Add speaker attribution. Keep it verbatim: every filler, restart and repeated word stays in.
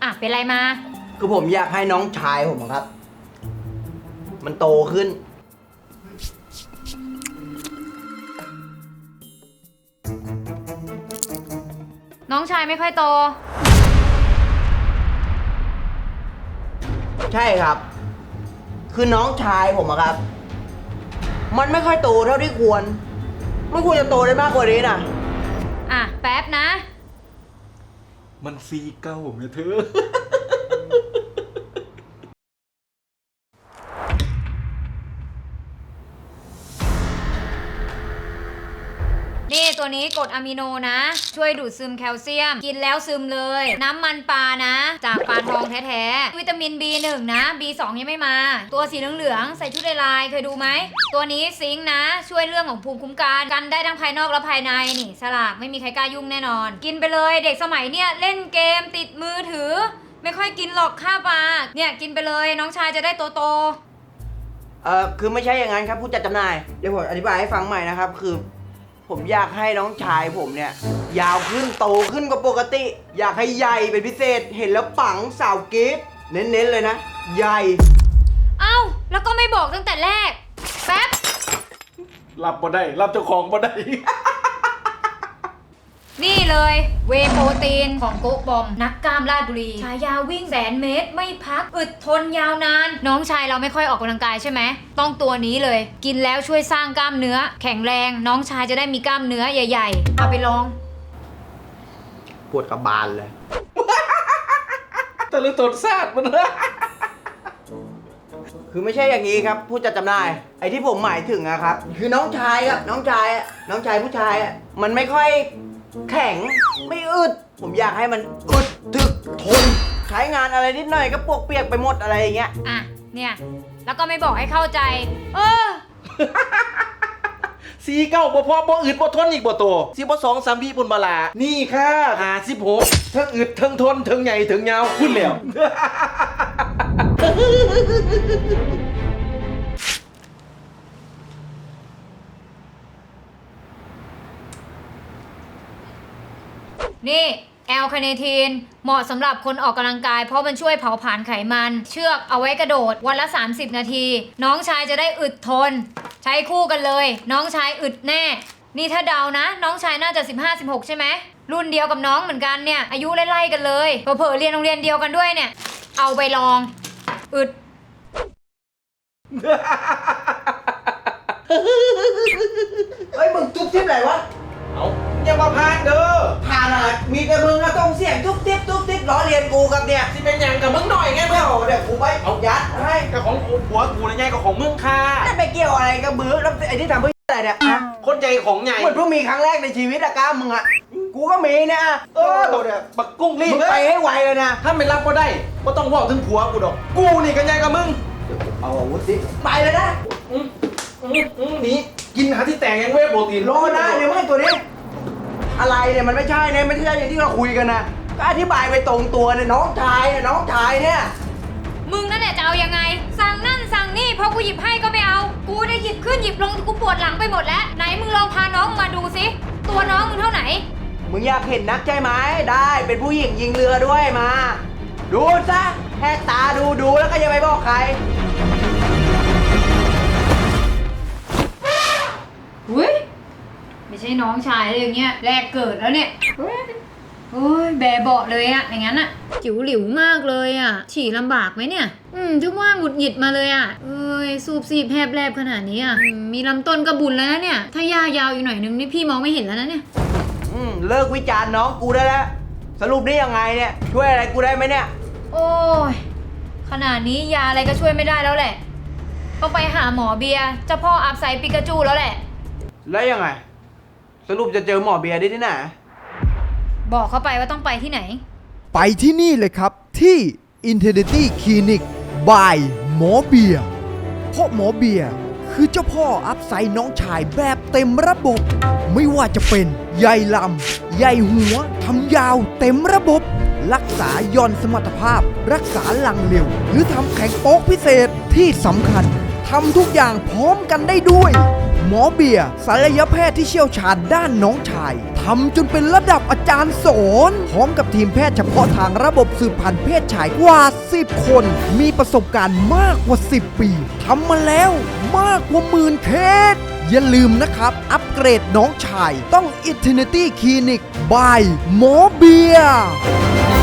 Speaker 1: อ่ะเป็นไรมา
Speaker 2: คือผมอยากให้น้องชายผมครับมันโตขึ้น
Speaker 1: น้องชายไม่ค่อยโต
Speaker 2: ใช่ครับคือน้องชายผมอะครับมันไม่ค่อยโตเท่าที่ควรไม่ควรจะโตได้มากกว่านี้นะ
Speaker 1: อ่ะแป๊บนะ
Speaker 3: มันซีเก้าไงเธอ
Speaker 1: นี่ตัวนี้กรดอะมิโนนะช่วยดูดซึมแคลเซียมกินแล้วซึมเลยน้ำมันปลานะจากปลาทองแท้ๆวิตามิน บี หนึ่ง นะ บี สอง ยังไม่มาตัวสีเหลืองๆใส่ชุดลายเคยดูไหมตัวนี้ซิงค์นะช่วยเรื่องของภูมิคุ้มกันกันได้ทั้งภายนอกและภายในนี่สลากไม่มีใครกล้ายุ่งแน่นอนกินไปเลยเด็กสมัยเนี้ยเล่นเกมติดมือถือไม่ค่อยกินหรอกข้าวปลาเนี่ยกินไปเลยน้องชายจะได้โตโต
Speaker 2: เออคือไม่ใช่อย่างนั้นครับผู้จัดจำหน่ายเดี๋ยวผมอธิบายให้ฟังใหม่นะครับคือผมอยากให้น้องชายผมเนี่ยยาวขึ้นโตขึ้นกว่าปกติอยากให้ใหญ่เป็นพิเศษเห็นแล้วปังสาวกรี๊ดเน้นๆเลยนะใหญ่
Speaker 1: เอ้าแล้วก็ไม่บอกตั้งแต่แรกแป๊บ
Speaker 3: รับบ่ได้รับเจ้าของบ่ได้
Speaker 1: นี่เลยเวโปรตีนของโกบอมนักกล้ามราชบุรีฉายาวิ่งแสนเมตรไม่พักอึดทนยาวนานน้องชายเราไม่ค่อยออกกำลังกายใช่ไหมต้องตัวนี้เลยกินแล้วช่วยสร้างกล้ามเนื้อแข็งแรงน้องชายจะได้มีกล้ามเนื้อใหญ่ๆเอาไปลอง
Speaker 2: ปวดกระบาลเลย
Speaker 3: แต่ละตนซาดมันนะ
Speaker 2: คือไม่ใช่อย่างนี้ครับผู้จัดจำหน่ายไอ้ที่ผมหมายถึงอะครับคือน้องชายครับน้องชายน้องชายผู้ชายมันไม่ค่อยแข็งไม่อึดผมอยากให้มันอึดถึกทนใช้งานอะไรนิดหน่อยก็ปวกเปียกไปหมดอะไรอย่างเงี้ย
Speaker 1: อ่ะเนี่ยแล้วก็ไม่บอกให้เข้าใจเออ
Speaker 3: ซีเก้าบ่พอบ่อึดบ่ทนอีกบ่โตสิบ่สองสามพี่ปุ่นบาลานี่ค่ะหาสิบหกทั้งอึดทั้งทนทั้งใหญ่ทั้งยาวพูดแล้ว
Speaker 1: นี่แอลคาเนทีนเหมาะสำหรับคนออกกำลังกายเพราะมันช่วยเผาผลาญไขมันเชือกเอาไว้กระโดดวันละสามสิบนาทีน้องชายจะได้อึดทนใช้คู่กันเลยน้องชายอึดแน่นี่ถ้าเดานะน้องชายน่าจะ สิบห้า สิบหก ใช่ไหมรุ่นเดียวกับน้องเหมือนกันเนี่ยอายุไล่ๆกันเลยเผลอๆเรียนโรงเรียนเดียวกันด้วยเนี่ยเอาไปลองอึด
Speaker 2: เฮ้ยมึงจุ๊บจิ๊บอะไรวะ
Speaker 3: เอาอย่ามาพานเด้อ
Speaker 2: ผ่านอะไรมีแต่มึงอะต้องเสียงจุ๊บจิ๊บจุ๊บจิ๊บล้อเลียนกูกับเนี่ย
Speaker 3: สิเป็นอย่างกับมึงหน่อยไง
Speaker 2: ไม่
Speaker 3: เพื่อน
Speaker 2: เอาเดี๋ยวกูไปเอายัดให้
Speaker 3: กับของผัวกูนะไงกับของมึงค่ะ
Speaker 2: นั่นไปเกี่ยวอะไรกับมือแล้วไอ้ที่ทำเพื่ออะไรเนี่ย
Speaker 3: คนใจของใหญ่
Speaker 2: เหมือนเพิ่งมีครั้งแรกในชีวิตอะก้ามึงอะกูก็มีเนี่ย
Speaker 3: เออบักกุ้งรีบ
Speaker 2: มึงไปให้ไวเลยนะ
Speaker 3: ถ้าไม่รับก็ได้ก็ต้องบอกถึงผัวกูดอกกูนี่กันใหญ่กับมึง
Speaker 2: เอาอาวุธสิไปเลยนะ
Speaker 3: อืมอืมอืมนี่กินหาที่แต่งยังเว้ยโปรตีน
Speaker 2: รอนะเดี๋ยวไม่ตัวนี้อะไรเนี่ยมันไม่ใช่เนี่ยไม่ใช่อย่างที่เราคุยกันนะก็อธิบายไปตรงตัวเนี่ยน้องชายเนี่ยน้องชายเนี่ย
Speaker 1: มึงนั่นแหละจะเอายังไงสั่งนั่นสั่งนี่พอกูหยิบให้ก็ไม่เอากูได้หยิบขึ้นหยิบลงกูปวดหลังไปหมดแล้วไหนมึงลองพาน้องมาดูสิตัวน้องมึงเท่าไหน
Speaker 2: มึงอยากเห็นนักใช่ไหมได้เป็นผู้หญิงยิงเรือด้วยมาดูซะแค่ตาดูดูแล้วก็อย่าไปบอกใคร
Speaker 1: อุ้ยไม่ใช่น้องชายเลยอย่างเงี้ยแรกเกิดแล้วเนี่ยโอ้ยแบเบาะเลยอะอย่างนั้นอะจิ๋วหลิวมากเลยอะฉี่ลำบากไหมเนี่ยอืมถึงว่าหงุดหงิดมาเลยอะเอ้ยสูบสีบแผบแลบขนาดนี้อะมีลำต้นกระบุญแล้วนะเนี่ยถ้ายายาวอีกหน่อยนึงนี่พี่มองไม่เห็นแล้วนะเนี่ย
Speaker 2: อืมเลิกวิจารณ์น้องกูได้แล้วสรุปนี่ยังไงเนี่ยช่วยอะไรกูได้ไหมเนี่ย
Speaker 1: โอ้ยขนาดนี้ยาอะไรก็ช่วยไม่ได้แล้วแหละต้องไปหาหมอเบียร์เจ้าพ่ออัพไซปิกาจูแล้วแหละ
Speaker 2: แล้วยังไงสรุปจะเจอหมอเบียร์ได้ที่ไหน
Speaker 1: บอกเขาไปว่าต้องไปที่ไหน
Speaker 4: ไปที่นี่เลยครับที่ Infinity Clinic by หมอเบียร์เพราะหมอเบียร์คือเจ้าพ่ออัพไซด์น้องชายแบบเต็มระบบไม่ว่าจะเป็นใยลำใยหัวทำยาวเต็มระบบ รักษาย่อนสมรรถภาพรักษาหลังเร็วหรือทำแข็งโป๊กพิเศษที่สำคัญทำทุกอย่างพร้อมกันได้ด้วยหหมอเบียร์ศัลยแพทย์ที่เชี่ยวชาญด้านน้องชายทำจนเป็นระดับอาจารย์สอนพร้อมกับทีมแพทย์เฉพาะทางระบบสืบพันธุ์เพศชายกว่าสิบคนมีประสบการณ์มากกว่าสิบปีทำมาแล้วมากกว่าหมื่นเคสอย่าลืมนะครับ อัปเกรดน้องชายต้อง Infinity Clinic by หมอเบียร์